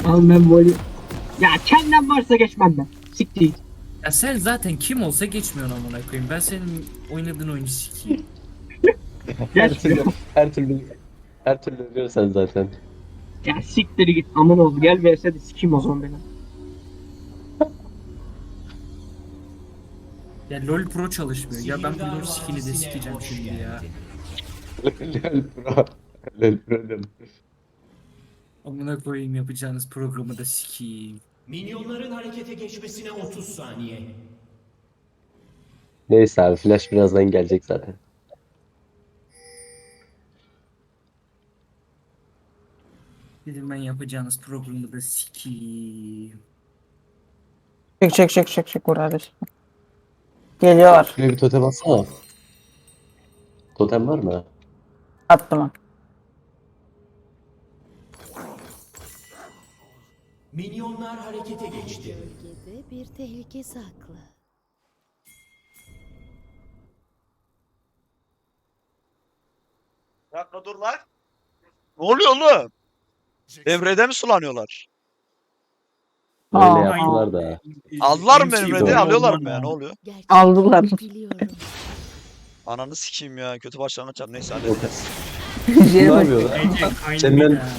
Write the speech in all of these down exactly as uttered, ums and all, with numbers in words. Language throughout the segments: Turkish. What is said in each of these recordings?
Al ben voley. Ya kendim varsa geçmem ben. Siktir git. Ya sen zaten kim olsa geçmiyorsun amına koyayım. Ben senin oynadığın oyunu sikeyim. Her Geçmiyor. türlü, her türlü, her türlü ölüyorsan zaten. Ya siktir git aman ol. Gel V S'de sikeyim o zaman beni. Ya LoL Pro çalışmıyor. Ya ben bu LoL skill'i de sikeceğim şimdi ya. Lol pro. Lol pro diyorum. Amına koyayım yapacağınız programı da sikeyim. Minyonların harekete geçmesine otuz saniye. Neyse abi flash birazdan gelecek zaten. Dedim ben yapacağınız programı da sikeyim. Çık çık çık çık çık burada. Geliyor. Şuraya bir totem atsana. Totem var mı? Attım. Minyonlar harekete geçti. Bölgede bir tehlike saklı. Bir dakika dur lan. Ne oluyor oğlum? Devrede mi sulanıyorlar? Öyle Aa, yaptılar da. Aldılar mı M C benim doğru. Red'i? Alıyorlar mı olman ya? Ne lazım. oluyor? Gerçek Aldılar. biliyorum. Ananı sikeyim ya. Kötü başlangıç yap. Neyse Yok. hallederiz. Ne Şey bak. yapıyor lan? Bence kaynıyor Senden- ya.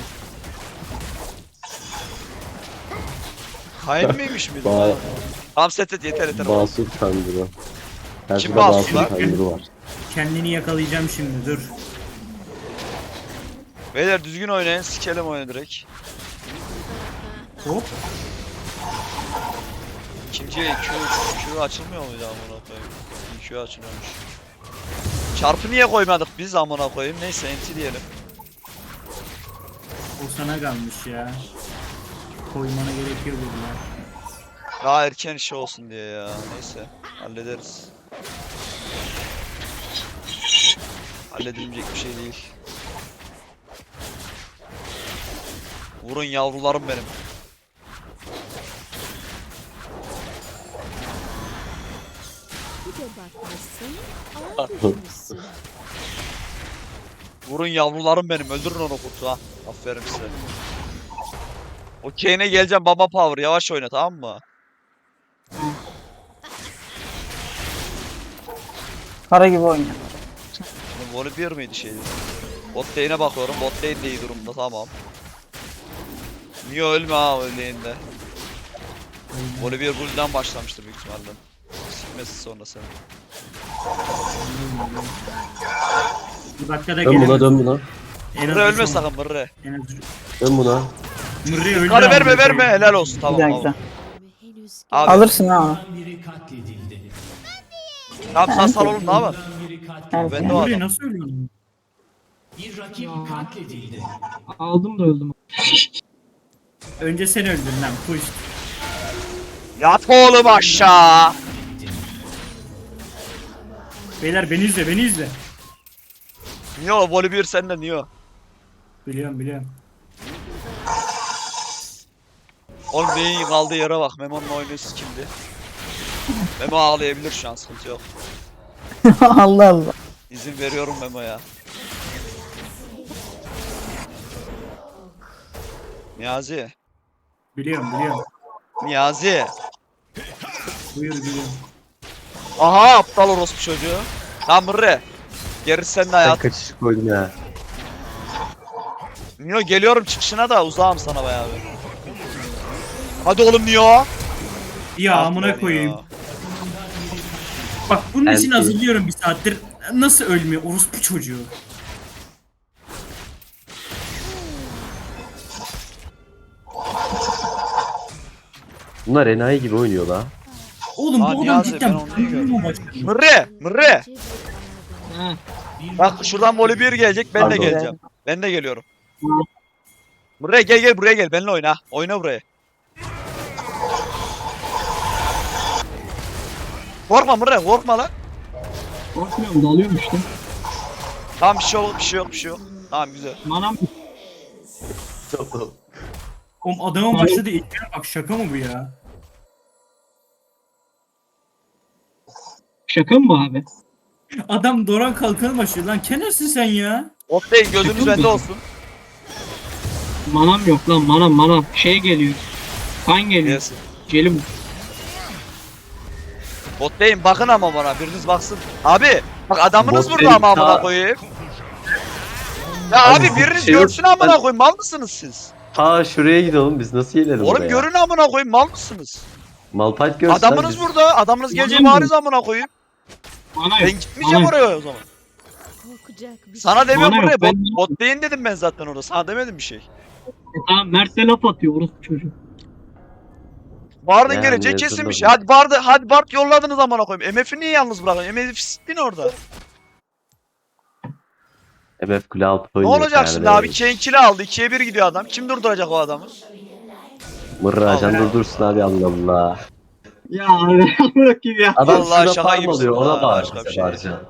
Hain miymiş miydi? Ba Tamam set et yeter yeter. Basur Tanrı. Her Kim şurada Basur Basur lan? Tanrı var. Kendini yakalayacağım şimdi dur. Beyler düzgün oynayın. Sikelim oyunu direkt. Hop. İkinci Q, Q açılmıyor muydu amına koyayım? Q açılıyormuş. Çarpı niye koymadık biz amına koyayım? Neyse enti diyelim. O sana kalmış ya. Koymana gerekiyor dediler. Daha erken işi olsun diye ya. Neyse hallederiz. Halledilecek bir şey değil. Vurun yavrularım benim. Bir de bakmışsın, ağ düşmüşsün. Vurun yavrularım benim. Öldürün onu kurtu ha. Aferin size. Okey'ine geleceğim baba power. Yavaş oyna tamam mı? Kara gibi oynuyor. Şimdi voli bir miydi şeydi? Bot lane'e bakıyorum. Bot lane de iyi durumda tamam. Niye ölme ha öleğinde? Voli bir bull'dan başlamıştır büyük ihtimalle. Sikmesi sonra seni. Bir dakikada Dön buna gelemez. dön buna. En az Mırre üç ölme on. sakın mırre. En az üç- Dön buna. Mırre öldü. Karı amına verme verme koyayım. helal olsun tamam Güzel tamam. güzel. Henüz Abi. Alırsın ha. Biri katledildi. Tamam sen sal oğlum ne yapalım? Biri katledildi. Evet. Ben de o Mırre adam. nasıl ölüyorsun? Bir rakip katledildi. Aldım da öldüm. Önce sen öldün lan push. Yat oğlum aşağı. Beyler beni izle beni izle. Niye o voli bir sende niye o? Biliyorum biliyorum. Oğlum beyin kaldığı yere bak. Memo'nun oynuyorsun kimdi? Memo ağlayabilir şu an sıkıntı yok. Allah Allah. İzin veriyorum Memo'ya. Niyazi. Biliyorum biliyorum. Niyazi. Buyur biliyorum. Aha aptal orospu çocuğu. Lan mırre. Gerisi sende Ben hayat. kaçış koydum ya. Nio geliyorum çıkışına da uzağım sana bayağı bir. Hadi oğlum Nio. Ya Ah amına be koyayım. Nio. Bak bunun için Elti. hazırlıyorum bir saattir. Nasıl ölmüyor orospu çocuğu? Bunlar enayi gibi oynuyor la. Oğlum Aa, bu adam Niyazi, cidden ben onu iyi gördüm. mu başladı? Mırre. Mırre. önce bir arada. Ha. Bak şuradan voli bir gelecek ben de Pardon. geleceğim. Ben de geliyorum. Buraya gel gel buraya gel benimle oyna. Oyna buraya. Korkma Mırre korkma lan. Korkmuyorum dalıyorum işte. Tamam bir şey yok bir şey yok bir şey yok. Tamam güzel. Manam Oğlum adamın başladığı ilkine bak şaka mı bu ya? şaka mı bu abi? Adam Doran kalkanı başlıyor lan kenersin sen ya. Optayın gözünüz bende olsun. Manam yok lan manam manam. Şey geliyor. Kan geliyor. Gelsin. Celim. Botlayın bakın ama bana biriniz baksın. Abi bak adamınız Bot burada ama değil, amına ta- koyayım. Ya Abi, abi biriniz şey yok, görsün amına ben- koyayım mal mısınız siz? Ha şuraya gidelim biz nasıl gelelim Oğlum oraya? görün amına koyayım mal mısınız? Malphite görsün. Adamınız biz... burada adamınız gelecek Manam bariz amına koyayım. Mana Ben yok. gitmeyeceğim Mana oraya o zaman. Korkacak bir Sana demiyorum Bana yok, buraya bot, ben- bot deyin dedim ben zaten orada sana demedim bir şey. E tamam Mert'e laf atıyor orospu çocuğu. Bard'ın Yani geleceği yazılır kesinmiş. mı? Hadi Bard'ı hadi Bard yolladınız amına koyayım. M F'i niye yalnız bırakın? M F sittin orada. M F kule altı Ne oynuyor. olacak şimdi abi? Kenkili aldı. ikiye bir gidiyor adam. Kim durduracak o adamı? Mırracan Allah. durdursun abi Allah Allah. Ya bırakayım ya. Adam Vallahi şurada şaka farm gibisin alıyor ha, ona bağır başka bir bize şey bağıracaksın.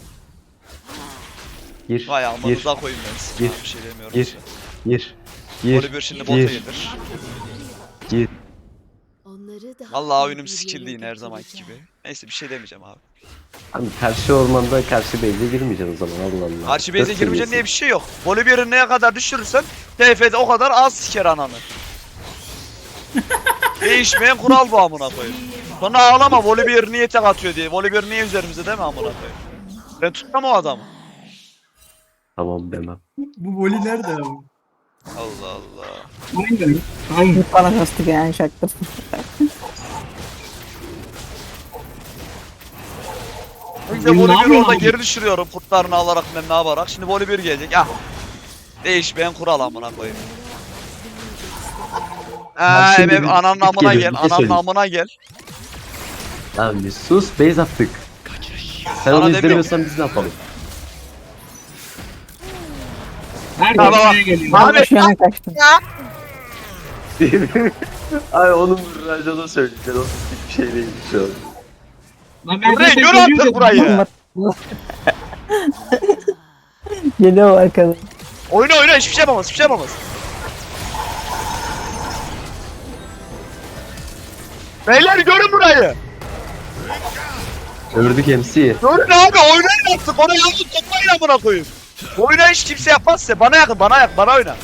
Gir, Vay gir, amınıza koyayım ben size. Gir. Bir şey demiyorum. gir, gir, gir, Oliver şimdi bota gir, gelir. gir. Onları daha Vallahi iyi oyunum bir skill'di yine yere her zamanki götüreceğim. gibi. Neyse bir şey demeyeceğim abi. Abi karşı ormanda karşı base'e girmeyeceksin o zaman Allah Allah. Karşı Dört base'e girmeyeceksin seviyesin. diye bir şey yok. Oliver'ı neye kadar düşürürsen T F'de o kadar az siker ananı. Değişmeyen kural bu amına koyayım. Sonra ağlama Volibear niye tek atıyor diye. Volibear niye üzerimize deme amına koyayım. Ben tutmam o adamı. Tamam demem. Bu voli nerede abi? Allah Allah. Aynen. Aynen. Bana kastı yani şaktır. Önce Ne Volibear'ı yapıyorsun orada abi? geri düşürüyorum kurtlarını alarak ben ne yaparak. Şimdi Volibear gelecek. Ah. Değişmeyen kural amına koyayım. Eee şimdi evet, bir ananın skip amına geliyor, gel, bir şey ananın söyleyeyim. amına gel. Lan bir sus base attık. Sen Sana onu demiyorum. izlemiyorsan biz ne yapalım? Her Tamam. buraya geliyor. Abi, Ben şu yana kaçtım. Ay onun Mırracan'a söyleyeceksin o bir şey değil şu an. Lan ben Burayı zaten gör geliyor artık dedim. burayı. Geliyor arkadan. Oyna oyna hiçbir şey yapamaz, hiçbir şey yapamaz. Beyler görün burayı. Gördük M C'yi. Görün abi oynayın artık. Ona yalnız toplayın amına koyayım. Oyna hiç kimse yapmaz size. Bana yakın, bana yak, bana oyna.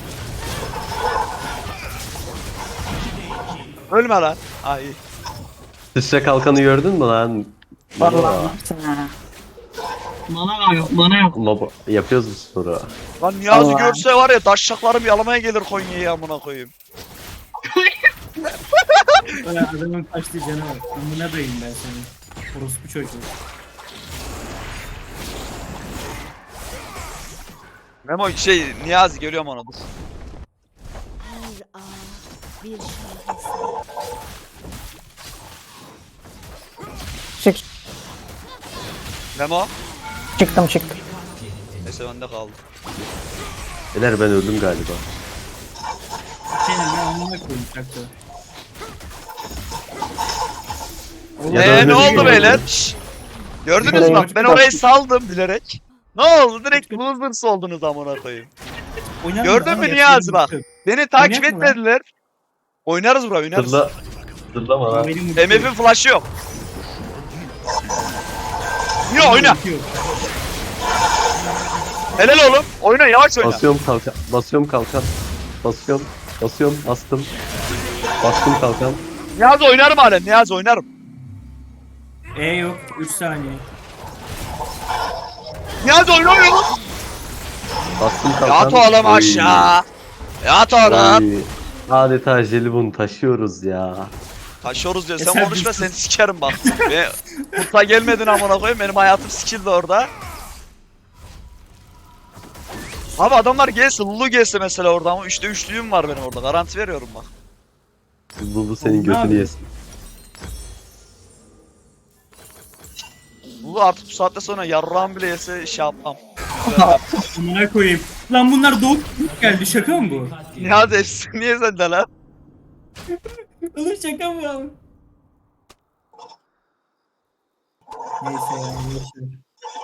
Ölme lan. Ay. Sıçra kalkanı gördün mü lan? Vallahi yapsın ha. Mana yok mana yok. Baba yapıyoruz bu sporu. Lan Niyazi Allah. görse var ya taşşaklarım yalamaya gelir Konya'ya amına koyayım. Öyle adamın kaçtığı canavar. Amına koyayım ben seni. Orospu çocuğu. Memo şey Niyazi görüyorum onu. Dur. Her ağ bir şaheser. Çık. Memo. Çıktım çıktım. Neyse bende kaldı. Beyler ben öldüm galiba. Senin ben amına koyayım şaktı. Ya da Eee öyle ne bir şey oldu oldu. beyler? Şşş. Gördünüz mü bak ben orayı saldım bilerek. Ne oldu direkt losers oldunuz amına koyayım. Oynar Gördün ama mü yapacak Niyazi bir bak. şey yok. Beni takip Oynayak mı lan? etmediler. Oynarız bura oynarız. Zırla. Zırlama lan. Benim M F'in flash'ı yok. Niye oyna? Yok. Helal oğlum. Oyna yavaş oyna. Basıyorum kalkan. Basıyorum kalkan. Basıyorum. Basıyorum. Bastım. Bastım kalkan. Niyazi oynarım halen. Niyazi oynarım. E yok. üç saniye. Niyazi oyna oyna. Bastım kalkan. Yat oğlum Oy. aşağı. Yat oğlum. Oy. Adeta jelibon taşıyoruz ya. Taşıyoruz diyor. E Sen sen konuşma düştün. seni sikerim bak. Ve kurta gelmedin amına koyayım. Benim hayatım sikildi orada. Abi adamlar gelse, Lulu gelse mesela orada ama üçte üçlüğüm var benim orada. Garanti veriyorum bak. Bu, bu senin Oğlum, ne götünü yapıyorsun? yesin. Lulu artık bu saatte sonra yarrağım bile yese şey yapmam. Amına koyayım. Lan bunlar doğup geldi. Şaka mı bu? Niyazi hepsi niye sende lan? Oğlum şaka mı abi? Neyse ya. boşver.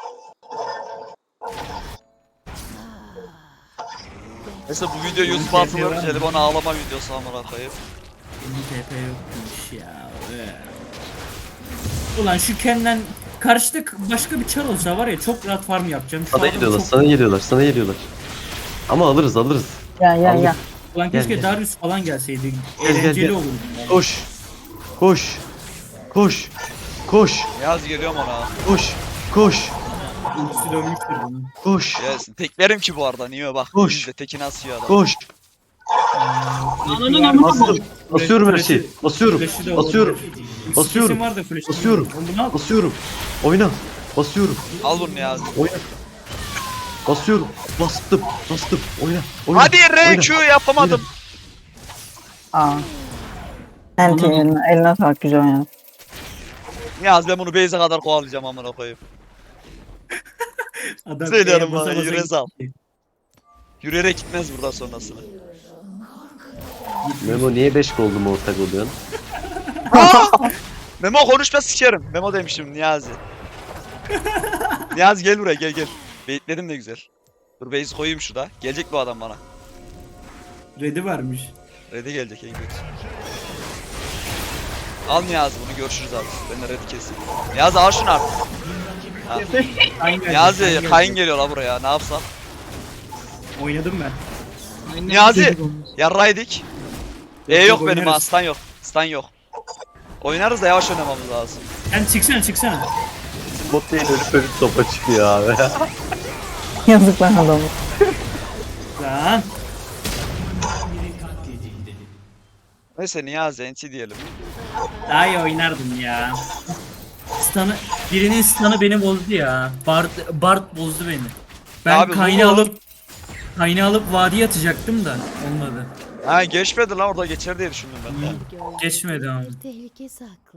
Mesela bu video YouTube'a atılır. Jelibon ağlama videosu amına koyayım. Benim T P yokmuş ya. Ee. Ulan şu Ken'den karşıda başka bir çar olsa var ya çok rahat farm yapacağım. Şu Sana adam geliyorlar, çok- sana geliyorlar, sana geliyorlar. Ama alırız, alırız. Ya ya Aldım. ya. Ulan Gel, keşke gel. Darius falan gelseydi. Gel, gel, Eğlenceli gel. olurdu. yani. Koş. Koş. Koş. Koş. Niyazi geliyorum ona. Koş. Koş. Ultisi dönmüştür bunun. Koş. Gelsin. Teklerim ki bu arada. Niye bak. Koş. Biz de tekini asıyor adam. Koş. Ananın amına Bastım. koy. Basıyorum her Flash'ı- şeyi. Basıyorum. flash'ı da Basıyorum. olabilir. Basıyorum. Sesim var da flash'ı Basıyorum. bilmiyorum. Oğlum bunu al. Basıyorum. Oyna. Basıyorum. Al bunu Niyazi. Oyna. Basıyorum. Bastım. Bastım. Oyna. Oyna. Hadi R Oyna. Q yapamadım. Aa. Enti eline, eline sağlık, güzel oynadın. Niyazi ben bunu base'e kadar kovalayacağım amına koyayım. Adam Söylüyorum basa bana, basa yürü sal. gitti. Yürüyerek gitmez buradan sonrasını. Memo niye beş gold'um ortak oluyorsun? Aa! Memo konuşma sikerim. Memo demiştim Niyazi. Niyazi gel buraya gel gel. Baitledim de güzel. Dur base koyayım şurada. Gelecek bu adam bana. Red'i varmış. Red'e gelecek en kötü. Al Niyazi bunu görüşürüz abi. Ben de Red'i keseyim. Niyazi al şunu artık. Ha. Kayın geldi, Niyazi geldi. kayın geliyor la buraya ne yapsam. Oynadım ben. Aynen Niyazi! çocuk olmuş. Yarraydık. E Yok, yok yok, benim ha oynarız. stun yok. Stun yok. Oynarız da yavaş oynamamız lazım. Sen çıksana çıksana. Bot değil ölüp ölüp topa çıkıyor abi. Yazık lan adamı. Lan. Biri katledildi. Neyse Niyazi N T diyelim. Daha iyi oynardım ya. Stun'ı, birinin stun'ı beni bozdu ya. Bart, Bart bozdu beni. Ben Abi, kaynağı bu- alıp kaynağı alıp vadiye atacaktım da olmadı. Ha geçmedi lan orada geçer diye düşündüm ben de. Gölge Geçmedi ama. bir tehlike saklı.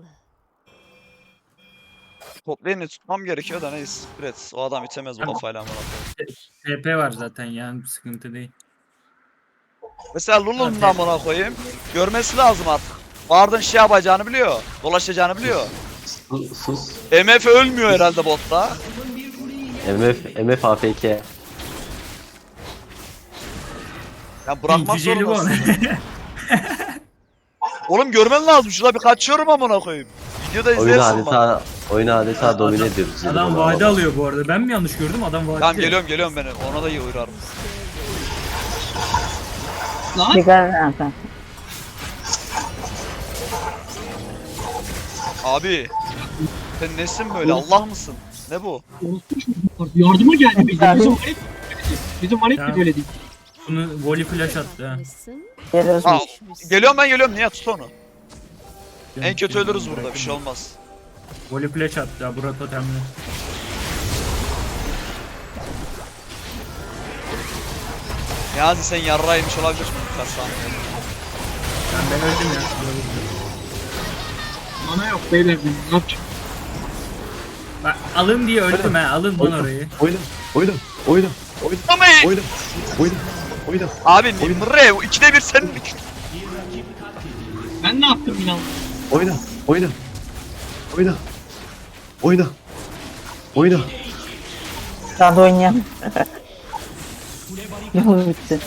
Toplayını tutmam gerekiyor da neyse. Evet o adam itemez bu Tamam. kafayla amına koyayım. T P var zaten yani sıkıntı değil. Mesela Lulu'nun da amına koyayım. Görmesi lazım artık. Bard'ın şey yapacağını biliyor. Dolaşacağını biliyor. Sus. sus. M F ölmüyor herhalde botta. M F, M F A F K. Ya bırakmak Cüceli bu. zorundasın. Oğlum görmen lazım. Şurada bir kaçıyorum amına koyayım. Videoda Oyunu izlersin bak. adeta, oyunu adeta domine Adam- ediyoruz. yine Adam bunu vade ama. alıyor bu arada. Ben mi yanlış gördüm? Adam vade. Tamam geliyorum geliyorum ben. Ona da iyi uğrarım. Lan Dikkat et zaten. Abi. Sen nesin böyle? Allah mısın? Ne bu? orospu çocuklar. Yardıma geldi bize. Bizim valet böyleydi. Bizim valet Ya. de böyle değil. Bunu volley flash attı ha. Yapmışsın, Geliyoruz Aa, biz. geliyorum ben geliyorum. Niye tut onu? En kötü ölürüz burada. Bir şey olmaz. Volley flash attı ya. Bura totemli. Niyazi sen yarraymış olabilirsin birkaç saniye. Ben, ben öldüm ya. Mana yok beyler benim. Ne yapacağım? Bak, alın diye öldüm ha. Alın lan orayı. Oyna. Oyna. Oyna. Oyna. Ama Oyna. Oyna. Oyna. abi Nimre ikide bir senin Ben ne yaptım inan? Oyna. Oyna. Oyna. Oyna. Oyna. Daha da oynayalım. Yolu bitti.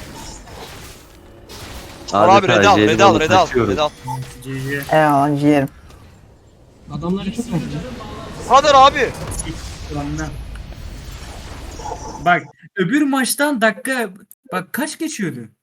abi red al red al jelibonu red al taşıyorum. red al. G G. Eyvallah ciğerim. Adamları çok önemli. Bu kadar abi. Ulan lan. Bak öbür maçtan dakika bak kaç geçiyordu?